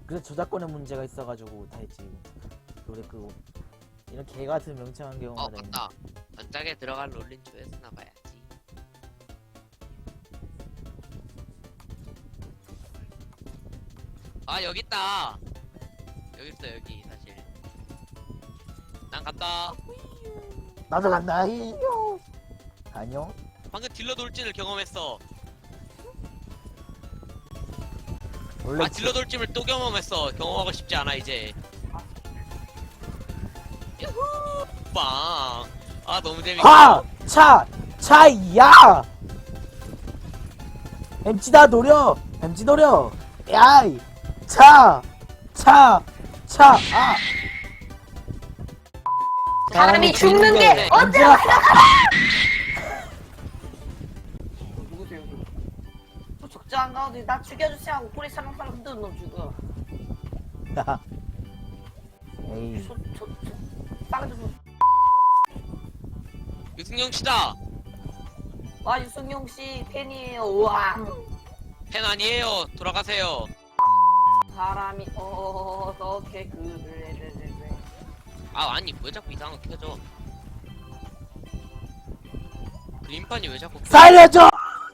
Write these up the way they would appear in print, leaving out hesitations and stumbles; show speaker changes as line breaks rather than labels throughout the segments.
그래서 저작권의 문제가 있어가지고 다 했지. 노래 끄고 이런 개 같은 명창한 경우가 다 있네.
맞다. 전작에 들어갈 롤린 조회수나 봐야지. 아 여기 있다. 여기 있어 여기 사실. 난 간다.
나도 간다. 히요. 안녕.
방금 딜러 돌진을 경험했어.
원래
아 딜러 돌진을 또 경험했어. 경험하고 싶지 않아 이제. 야후 빵. 아 너무 재밌어.
하! 차야! 엠찌다 노려! 엠찌 노려! 야이! 아!
사람이 죽는 게
언제
누구세요? 또 적자한 가운데 나 죽여주세요 하고 꼬리 살랑살랑 흔드는 놈 죽어.
에이.
싸가지 좀.
유승용 씨다.
와 유승용 씨 팬이에요. 우와.
팬 아니에요. 돌아가세요.
사람이 어떻게 그를
아 아니 왜 자꾸 이상한 거 켜져? 그림판이 왜 자꾸 켜져?
살려줘!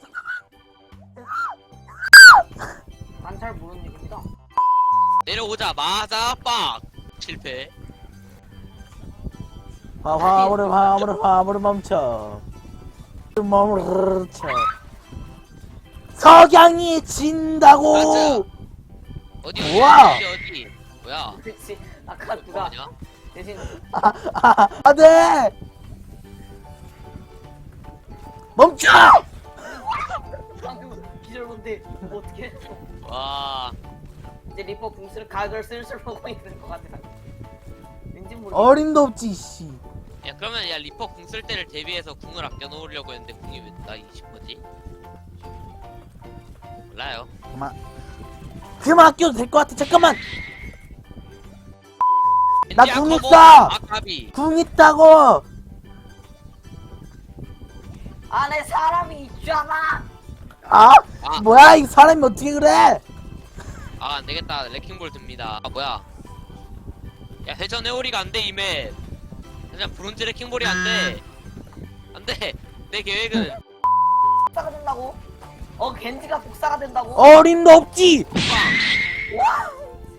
난 잘 모르는 얘기입니다.
내려오자마자 빡 실패.
화물을 멈춰. 석양이 진다고!
맞아. 어디
우와.
어디 뭐야?
그렇지. 아까 누가
뭐냐?
대신
안 돼! 멈춰!
방금 기절론데 어떻게
와
이제 리퍼 붕스를 각을 슬슬 보고 있는 것 같아. 왠지 모르겠어.
어림도 없지, 씨.
야 그러면 야 리퍼 궁 쓸 때를 대비해서 궁을 아껴 놓으려고 했는데 궁이 왜 나 20%지? 몰라요.
그만 아껴도 될 것 같아, 잠깐만! 나
겐지야,
궁
커버.
있어!
아까비.
궁 있다고!
안에 사람이 있잖아.
아?
아.
뭐야, 이 사람이 어떻게 그래?
아 안되겠다. 레킹볼 듭니다. 아 뭐야? 야 회전 회오리가 안돼 이맵. 그냥 브론즈 레킹볼이 안돼. 안돼. 내 계획은
복사가 된다고? 겐지가 복사가 된다고?
어림도 없지!
빵.
와!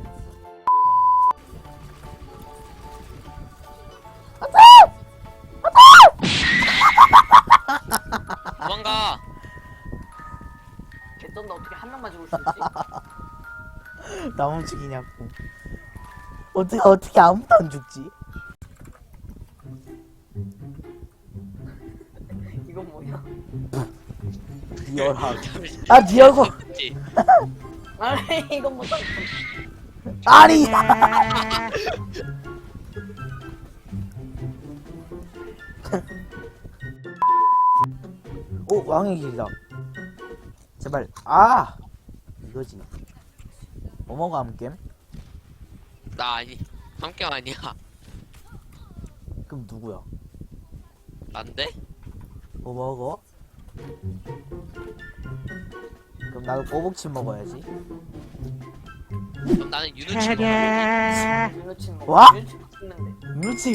도망가.
개쩐다. 어떻게 한 명만 죽을 수 있지?
나 멈추기냐고. 어떻게 아무도 안 죽지?
이건 뭐야?
리얼하게. 아, 네 얼굴!
그치?
아니 이건 뭐야?
아니! 오, 왕의 길이다. 제발. 아! 이거지. 뭐뭐가 함겜?
나 아니. 함경 아니야.
그럼 누구야?
난데?
뭐 먹어? 그럼 나도 꼬북침 먹어야지.
그럼 나는 윤우치 먹어.
유노친 뭐?
와?
유노친 먹는데.
유치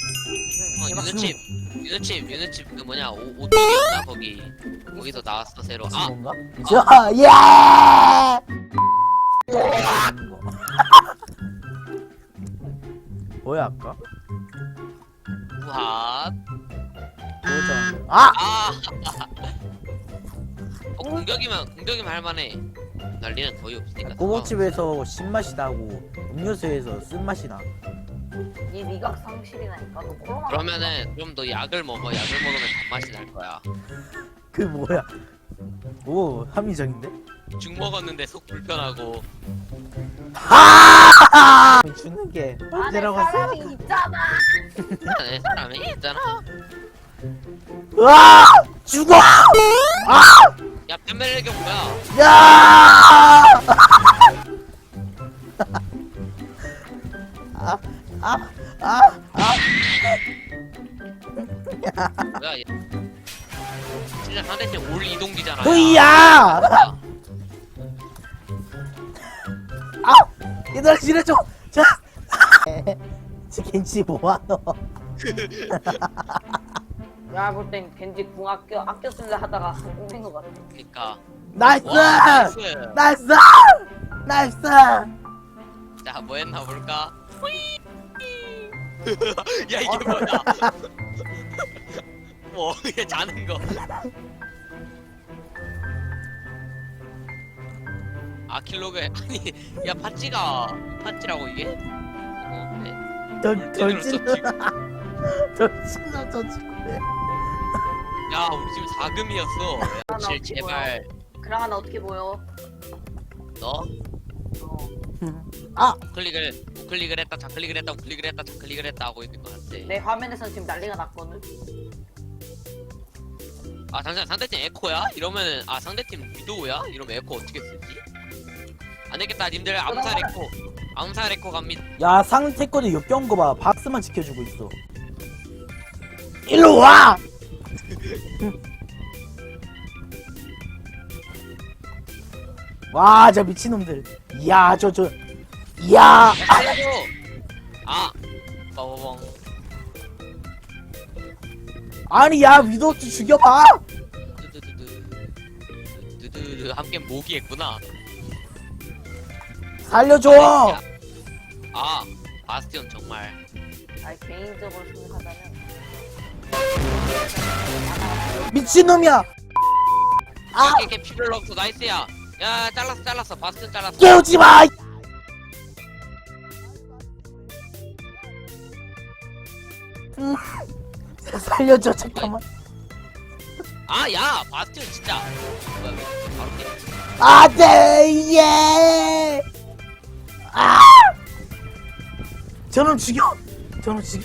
윤우칩 그 뭐냐 오뚜기였나 거기서 나왔어 새로. 아
뭔가? 저, 예! 뭐야 아까?
우핫.
뭐였잖아. 아!
아. 공격이면 할만해. 난리는 거의 없으니까.
꼬북집에서 신맛이 나고 음료수에서 쓴맛이 나.
이 미각 상실이라니까. 너 코로나.
그러면은 좀 더 약을 먹어. 약을 먹으면 단맛이 날 거야.
그 뭐야? 오, 합리적인데?
죽 먹었는데 속 불편하고.
아! 주는 게
안에
언제라고 했어?
사람이 있잖아.
안에 사람이 있잖아.
으아! 죽어! 아!
야 뱀멜레경 뭐야?
야! 아, 아, 아, 아.
뭐야 얘. 진짜 상대팀 올 이동기잖아.
으이야! 아! 얘들아 지뢰줘. 자. 지 겐지 뭐하노?
내가 볼 땐 겐지 궁 아껴 쓸래 하다가 성공한 것 같아.
그니까.
나이스!
와, 나이스.
나이스! 나이스!
자, 뭐 했나 볼까? 야, 이게 뭐야? 뭐, 이게 자는 거. 아, 킬로그. 아니, 야, 팥찌라고, 이게? 네.
덜
제대로
찔러.
썼지.
덜 찔러 저 친구네.
야, 우리 지금 4금이었어.
나
질,
어떻게
제발.
그랑아 나 어떻게 보여?
너?
어.
아!
우클릭을 했다, 좌클릭을 했다, 우클릭을 했다, 좌클릭을 했다 하고 있는 것 같아.
내 화면에서는 지금 난리가 났거든.
아, 잠시만, 상대팀 에코야? 이러면은, 아, 상대팀 위도우야? 이러면 에코 어떻게 쓰지? 안 되겠다, 님들. 암살 에코 갑니다.
야 상태 거도 역겨운 거 봐. 박스만 지켜주고 있어. 일로 와! 와, 저 미친놈들. 이야, 이야!
살려줘! 아! 빠바봉.
아니, 야, 위도 좀 죽여봐!
두두두두. 함께 모기했구나.
살려줘!
아, 바스티온 정말.
아 개인적으로 생각하자면
미친놈이야! 아!
이렇게 피를 없어, 나이스야. 야, 잘랐어. 바스티온 잘랐어.
깨우지 마! 살려줘, 잠깐만.
아, 야, 바스티온 진짜. 뭐야, 왜 바로 깨?
안 돼! 예! 아! 저놈 죽여! 저놈 죽여!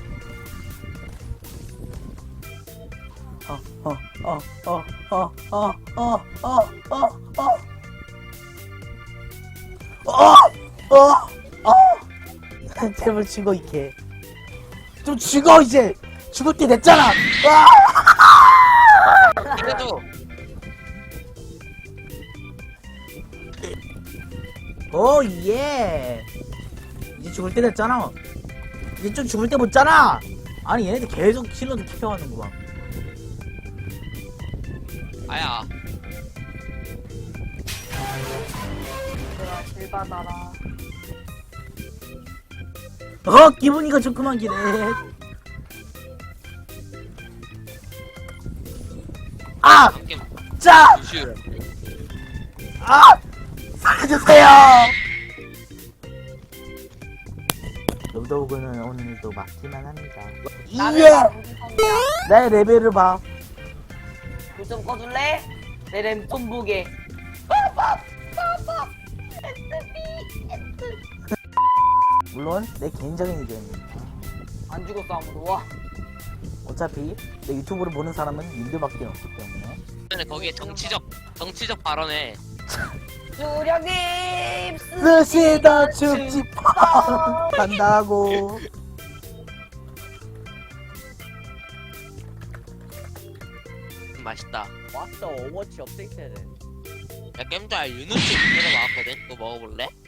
제발 죽어, 이 개. 좀 죽어, 이제! 죽을 때 됐잖아!
그래도
오, 예! 이제 죽을 때 됐잖아. 이제 좀 죽을 때 못잖아! 아니, 얘네들 계속 킬러도 킵해가는구만.
아야.
내가 길 받아라.
기분이가 좋구만, 기네. 아!
함께
짜!
무슈.
아! 살려주세요! 로드오그는 오늘도 막기만 합니다.
나는
이예!
무슨 성이야?
내 레벨을 봐.
불좀 꺼줄래? 내 램 좀 보게.
물론 내 개인적인 의견입니다.
안 죽었어 아무도. 와.
어차피 내 유튜브를 보는 사람은 님들밖에 없기 때문에.
거기에 정치적 발언에
주령님
쓰시다 죽지 뻔 간다고.
맛있다.
왔어 오버워치 업데이트해야 돼.
야, 겜잘 유누치 만들어 나왔거든. 그거 먹어볼래?